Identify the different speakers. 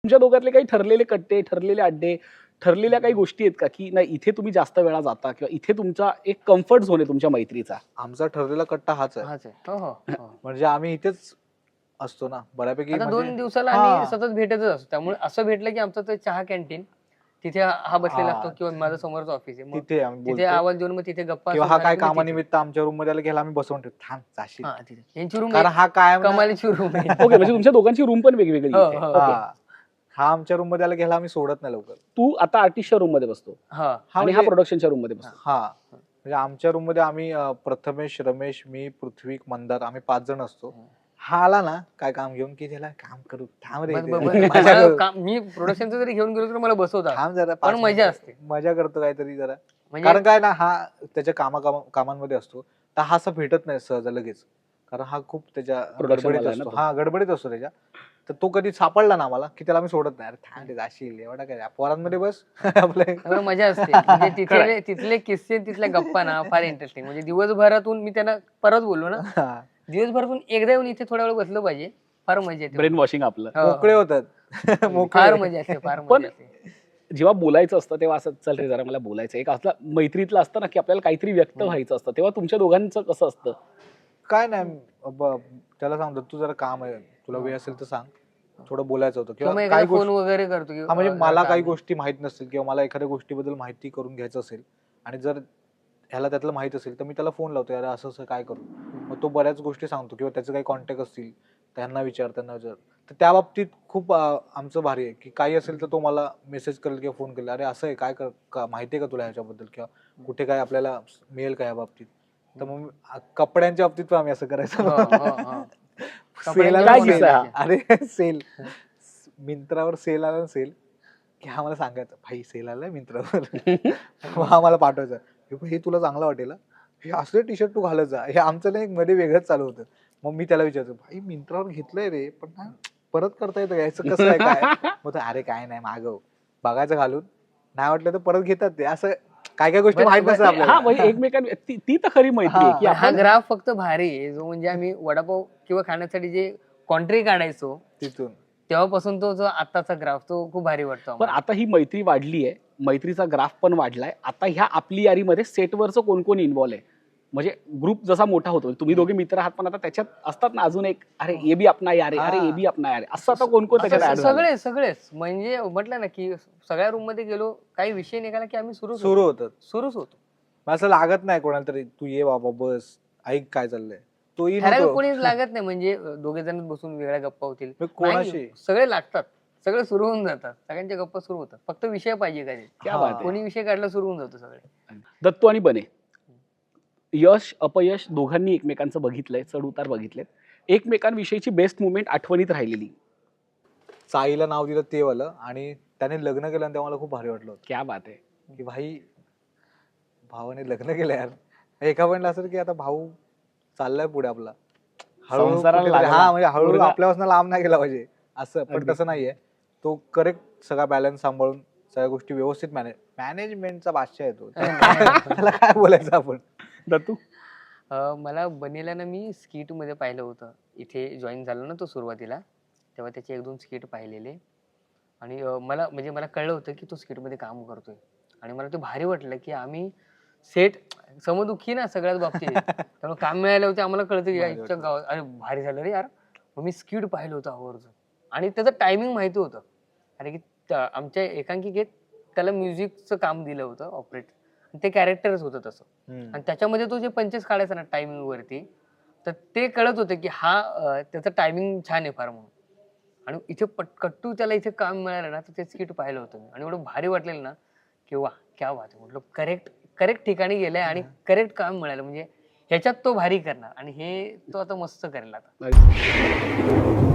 Speaker 1: तुमच्या दोघातले काही ठरलेले कट्टे, ठरलेले अड्डे, ठरलेल्या काही गोष्टी आहेत का, की नाही इथे तुम्ही जास्त वेळा जाता किंवा इथे तुमचा एक कम्फर्ट झोन आहे तुमच्या मैत्रीचा?
Speaker 2: आमचा ठरलेला कट्टा हाच आहे.
Speaker 3: हाच आहे. हो, हो, हो.
Speaker 2: म्हणजे आम्ही इथेच असतो ना बऱ्यापैकी.
Speaker 3: आता
Speaker 2: म्हणजे
Speaker 3: 2 दिवसाला
Speaker 2: हा.
Speaker 3: आम्ही सतत भेटतच असतो. त्यामुळे असं भेटलं की आमचं ते चहा कॅन्टीन तिथे हा बसलेला
Speaker 2: हा.
Speaker 3: असतो किंवा माझं समोरचं ऑफिस आहे. मग
Speaker 2: तिथे आम्ही
Speaker 3: तिथे
Speaker 2: बोलतो.
Speaker 3: आवाज देऊन मग तिथे गप्पा
Speaker 2: किंवा
Speaker 3: सुरू
Speaker 2: हा
Speaker 3: झाल्या
Speaker 2: काय
Speaker 3: की मग तिथे.
Speaker 2: कामानिमित्त आमच्या रूम मध्ये आला गेला आम्ही बसवून ठेवतो, थांब जाशील.
Speaker 3: हा, तिथे. यांची रूम
Speaker 2: कारण हा कायम ना-
Speaker 3: कमालीची रूम आहे.
Speaker 1: ओके, म्हणजे तुमच्या दोघांची रूम पण वेगवेगळी
Speaker 3: हो,
Speaker 1: इथे.
Speaker 3: हो.
Speaker 1: ओके.
Speaker 2: हा आमच्या रूम मध्ये आला गेला आम्ही सोडत नाही लवकर.
Speaker 1: तू आता आर्टिस्टच्या रूम मध्ये बसतो
Speaker 3: हा.
Speaker 2: हा
Speaker 1: आणि हा
Speaker 2: म्हणजे-
Speaker 1: प्रोडक्शनच्या रूम मध्ये बसतो.
Speaker 2: हा म्हणजे आमच्या रूम मध्ये आम्ही प्रथमेश, रमेश, मी, पृथ्वी, मंदार आम्ही 5 जण असतो. हा आला ना काय काम घेऊन की त्याला काम करू, थांब रे इथे. मजा करू.
Speaker 3: मी प्रोडक्शनचं जरी घेऊन गेलो तर मला बसवतात.
Speaker 2: थांब जरा
Speaker 3: पण
Speaker 2: 5
Speaker 3: मजा
Speaker 2: मिनिटं.
Speaker 3: असते.
Speaker 2: मजा करतो काहीतरी जरा.
Speaker 3: म्हणजे
Speaker 2: कारण काय ना हा त्याच्या कामांमध्ये असतो तर हा असं भेटत नाही सहज लगेच. कारण हा खूप त्याच्या
Speaker 1: Production
Speaker 2: गडबडीत
Speaker 1: वाला आहे ना
Speaker 2: असतो.
Speaker 1: तो.
Speaker 2: हा गडबडीत असतो त्याच्या. तर तो कधी सापडला ना आम्हाला की त्याला मी सोडत नाही. अरे थांब रे जाशील एवढा काय पोरांमध्ये बस आपलं.
Speaker 3: त्यामुळे मजा असते. म्हणजे तिथले किस्से तिथल्या गप्पा ना फार इंटरेस्टिंग. म्हणजे दिवसभरातून मी त्यांना परत बोललो ना,
Speaker 2: हा.
Speaker 3: दिवसभरातून एकदा येऊन इथे थोड्या वेळ बसलं पाहिजे. फार मजा येते.
Speaker 1: ब्रेन वॉशिंग आपलं.
Speaker 3: हो.
Speaker 2: मोकळे होतात.
Speaker 3: फार मजा असते, फार
Speaker 1: पण-
Speaker 3: मजा असते.
Speaker 1: जेव्हा बोलायचं असतं तेव्हा असं चल रे जरा मला बोलायचं. एक असलं मैत्रीतलं असतं ना, की आपल्याला काहीतरी व्यक्त व्हायचं असतं. तेव्हा तुमच्या दोघांचं कसं असतं?
Speaker 2: काय नाही त्याला सांगतो तू जरा काम आहे तुला वेळ असेल तर सांग, थोडं बोलायचं होतं
Speaker 3: किंवा मग
Speaker 2: किंवा
Speaker 3: एखादा
Speaker 2: काही
Speaker 3: फोन
Speaker 2: गोष्टी.
Speaker 3: वगैरे करतो
Speaker 2: हा म्हणजे मला काही
Speaker 3: गोष्टी
Speaker 2: गोष्टी माहित नसतील किंवा मला एखाद्या गोष्टीबद्दल माहिती करून घ्यायचं असेल आणि जर ह्याला त्यातलं माहित असेल तर मी त्याला फोन लावतो, यार असं असं काय करू. मग तो बऱ्याच गोष्टी सांगतो किंवा त्याचे काही कॉन्टॅक्ट असतील त्यांना विचार. तर त्या बाबतीत खूप आमचं भारी आहे की काही असेल तर तो मला मेसेज करेल किंवा फोन करेल, अरे असं आहे काय माहिती आहे का तुला ह्याच्याबद्दल किंवा कुठे काय आपल्याला मिळेल का या बाबतीत. तर मग कपड्यांच्या बाबतीत पण आम्ही असं करायचं. सेल आला
Speaker 1: काय
Speaker 2: ना,
Speaker 1: किस्सा
Speaker 2: सेल.
Speaker 1: हा?
Speaker 2: अरे सेल मिंत्रावर सेल आला ना, सेल की हा मला सांगायचं भाई सेल आलाय मिंत्रावर. मग हा मला पाठवायचा, हे तुला चांगलं वाटेल, हे असले टी शर्ट तू घालत जा. हे आमचं नाही मध्ये वेगळंच चालू होतं. मग मी त्याला विचारतो, भाई मिंत्रावर घेतलंय रे पण ना परत करता येतं याचं कसं आहे काय. मग तो, अरे काय नाही मागव, बघायचं घालून नाही वाटलं तर परत घेतात ते. असं काय काय गोष्टी माहित नसतात
Speaker 1: हा
Speaker 2: आपल्याला.
Speaker 1: म्हणजे एकमेकांना ती तर खरी मैत्री आहे की
Speaker 3: हा
Speaker 1: आपण
Speaker 3: ग्राफ फक्त भारी आहे. जो म्हणजे आम्ही वडापाव किंवा खाण्यासाठी जे कॉन्ट्री काढायचो
Speaker 2: तिथून
Speaker 3: तेव्हापासून तो जो आताचा ग्राफ तो खूप भारी वाटतो
Speaker 1: पण
Speaker 3: आम्हाला.
Speaker 1: आता ही मैत्री वाढली आहे, मैत्रीचा ग्राफ पण वाढलाय. आता ह्या आपली यारीमध्ये सेटवरचं कोण कोण इन्व्हॉल्व आहे? म्हणजे ग्रुप जसा मोठा होतो, तुम्ही दोघे मित्र आहात पण आता त्याच्यात असतात ना अजून एक, अरे ए बी अपना यार आहे, अरे ए बी अपना यार आहे, असं आता कोण कोण
Speaker 3: असं
Speaker 1: त्याच्यात add झालंय?
Speaker 3: सगळेच म्हणजे म्हटलं ना की सगळ्या रूम मध्ये गेलो, काही विषय निघाला की आम्ही
Speaker 2: सुरू होतं.
Speaker 3: सुरूच होतो.
Speaker 2: मग असं लागत नाही कोणाला तरी, तू ये बाबा बस ऐक काय चाललंय, तो येईल
Speaker 3: ठराविक
Speaker 2: होतो.
Speaker 3: कोणीच लागत नाही. म्हणजे दोघे जण बसून वेगळ्या गप्पा होतील,
Speaker 2: मग कोणाशी?
Speaker 3: नाही, सगळे लागतात, सगळे सुरू होऊन जातात, सगळ्यांच्या गप्पा सुरू होतात. फक्त विषय पाहिजे काही.
Speaker 1: क्या बात आहे.
Speaker 3: कोणी विषय काढला सुरू होऊन जातो सगळे.
Speaker 1: दत्तू आणि बने, यश अपयश दोघांनी एकमेकांचं बघितलंय, चढ उतार बघितलेत. एकमेकांविषयीची बेस्ट मुवमेंट आठवणीत राहिलेली
Speaker 2: साईला नाव दिलं ते वालं, आणि त्याने लग्न केलं आणि तेव्हा मला खूप भारी वाटलं होतं
Speaker 1: क्या बात आहे.
Speaker 2: की भाई भावाने लग्न केलं यार. एका पॉइंटला असं की आता भाऊ चाललाय पुढे आपला, हळूहळू
Speaker 1: संसाराला
Speaker 2: कुठेतरी-
Speaker 1: लागला.
Speaker 2: हा म्हणजे हळूहळू
Speaker 1: मुलगा-
Speaker 2: आपल्यापासून लांब नाही गेला पाहिजे असं. पण
Speaker 1: अगदी.
Speaker 2: तसं नाहीये, तो करेक्ट सगळा बॅलन्स सांभाळून सगळ्या गोष्टी व्यवस्थित मॅनेजमेंटचा बादशाह येतो. त्याला काय बोलायचं आपण.
Speaker 1: दत्तू
Speaker 3: मला बनेला ना मी स्किट मध्ये पाहिलं होतं. इथे जॉईन झालो ना तो सुरुवातीला, तेव्हा त्याचे 1-2 स्किट पाहिलेले आणि मला कळलं होतं की तो स्किट मध्ये काम करतोय आणि मला ते भारी वाटलं की आम्ही सेट समदुखी ना सगळ्याच बाबतीत त्यामुळे काम मिळालं होतं. आम्हाला कळतं की
Speaker 2: भारी
Speaker 3: याच्या
Speaker 2: वाटलं.
Speaker 3: गावात अरे भारी झालं रे यार. मग मी स्किट पाहिलं होतं आवर्जून आणि त्याचं टायमिंग माहिती होतं. अरे की आमच्या एकांकिकेत त्याला म्युझिकचं काम दिलं होतं ऑपरेट, ते कॅरेक्टरच होतं तसं. आणि त्याच्यामध्ये तो जे पंचेस काढायचा ना टायमिंग वरती, तर ते कळत होतं की हा त्याचं टायमिंग छान आहे फार म्हणून. आणि इथे कट्टू त्याला इथे काम मिळालं ना, तर ते स्किट पाहिलं होतं मी आणि एवढं भारी वाटलेलं ना की वा क्या बात आहे. म्हटलं करेक्ट ठिकाणी गेलाय आणि करेक्ट काम मिळालं, म्हणजे ह्याच्यात तो भारी करणार आणि हे तो आता मस्त करेल आता.